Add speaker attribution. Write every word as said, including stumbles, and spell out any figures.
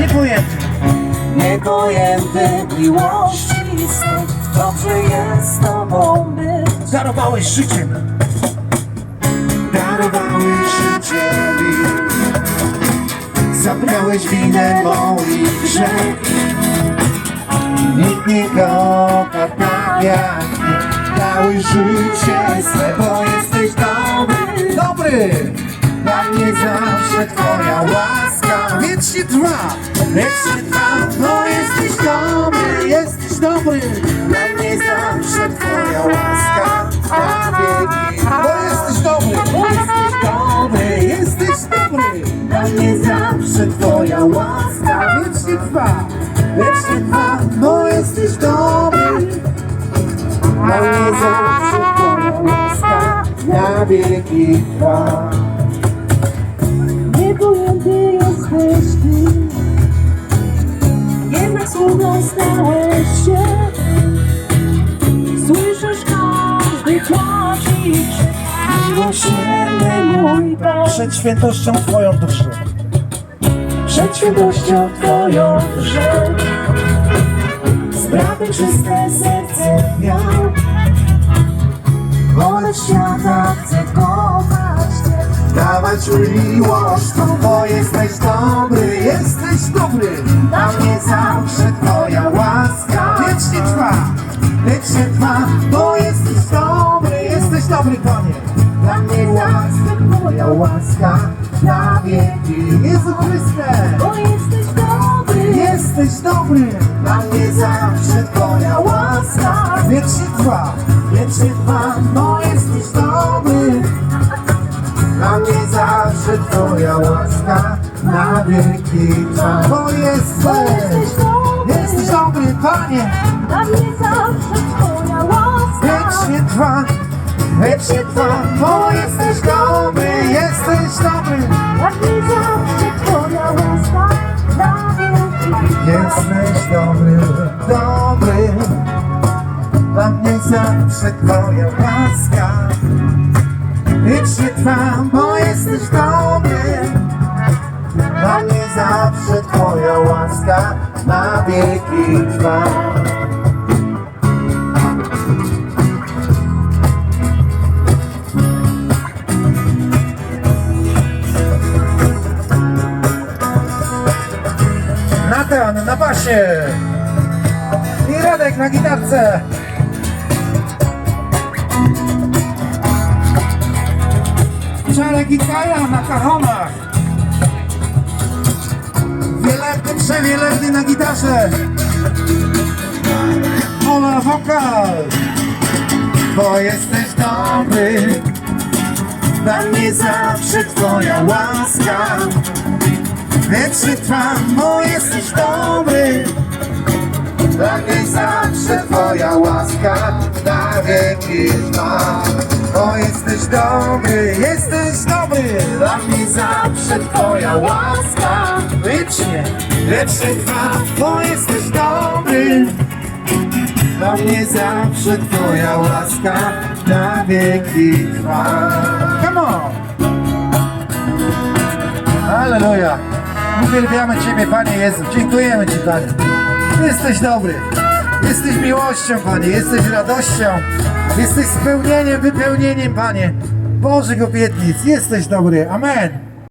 Speaker 1: Niepojęty.
Speaker 2: Niepojęty miłości sny. Dobrze jest z tobą być.
Speaker 1: Darowałeś życiem. Darowałeś życie mi. Zabrałeś winę moich grzech. Nikt nie kocha tak jak ty. Dałeś życie swe, bo jesteś dobry. Dobry! Dla mnie zawsze twoja łaska wiecznie trwa, wiecznie trwa. Bo jesteś dobry, jesteś dobry. Dla mnie zawsze twoja łaska na wieki. Bo jesteś dobry, bo jesteś dobry, jesteś dobry. Dla mnie zawsze twoja łaska wiecznie trwa, wiecznie trwa. Bo jesteś dobry. Dla mnie zawsze twoja łaska na wieki trwa.
Speaker 2: Niepojęty jesteś ty. Jednak słową stałeś się. Słyszysz każdy płacz i krzyk. Miłosierny mój Pan.
Speaker 1: Przed świętością twoją duszę.
Speaker 2: Przed świętością twoją drżę. Sprawy czyste serce miał. Wolę świata chcę kochać Cię.
Speaker 1: Dawać miłość, bo jesteś dobry, jesteś dobry. Dla mnie zawsze twoja łaska wiecznie trwa, wiecznie trwa. Bo jesteś dobry, jesteś dobry, Panie. Dla mnie zawsze twoja łaska na wieki. Jezu Chryste,
Speaker 2: Bo jesteś dobry.
Speaker 1: jesteś dobry. Dla mnie zawsze twoja łaska wiecznie trwa, wiecznie trwa. Bo jesteś dobry. Dla mnie zawsze twoja łaska na wieki trwa. Bo jesteś, jesteś dobry, Panie.
Speaker 2: Dla mnie zawsze twoja łaska.
Speaker 1: Wiecznie trwa, wiecznie trwa. Bo jesteś dobry, jesteś dobry.
Speaker 2: Dla mnie zawsze twoja łaska na wieki.
Speaker 1: Jesteś dobry, dobry. Dla mnie zawsze twoja łaska wiecznie trwa, bo jesteś dobry. Dla mnie zawsze twoja łaska na wieki trwa. Natan na basie i Radek na gitarce. Czarek i Kaja na kachonach. Wielebny, przewielebny na gitarze. Ola wokal. Bo jesteś dobry. Dla mnie zawsze twoja łaska wiecznie trwa, bo jesteś dobry. Dla mnie zawsze twoja łaska na wieki trwa. Bo jesteś dobry, jesteś dobry. Dla mnie zawsze twoja łaska wiecznie, wiecznie trwa. Bo jesteś dobry. Dla mnie zawsze twoja łaska na wieki trwa. Come on! Halleluja! Uwielbiamy Ciebie, Panie Jezu. Dziękujemy Ci, Panie. Jesteś dobry. Jesteś miłością, Panie. Jesteś radością. Jesteś spełnieniem, wypełnieniem, Panie. Bożych obietnic. Jesteś dobry. Amen.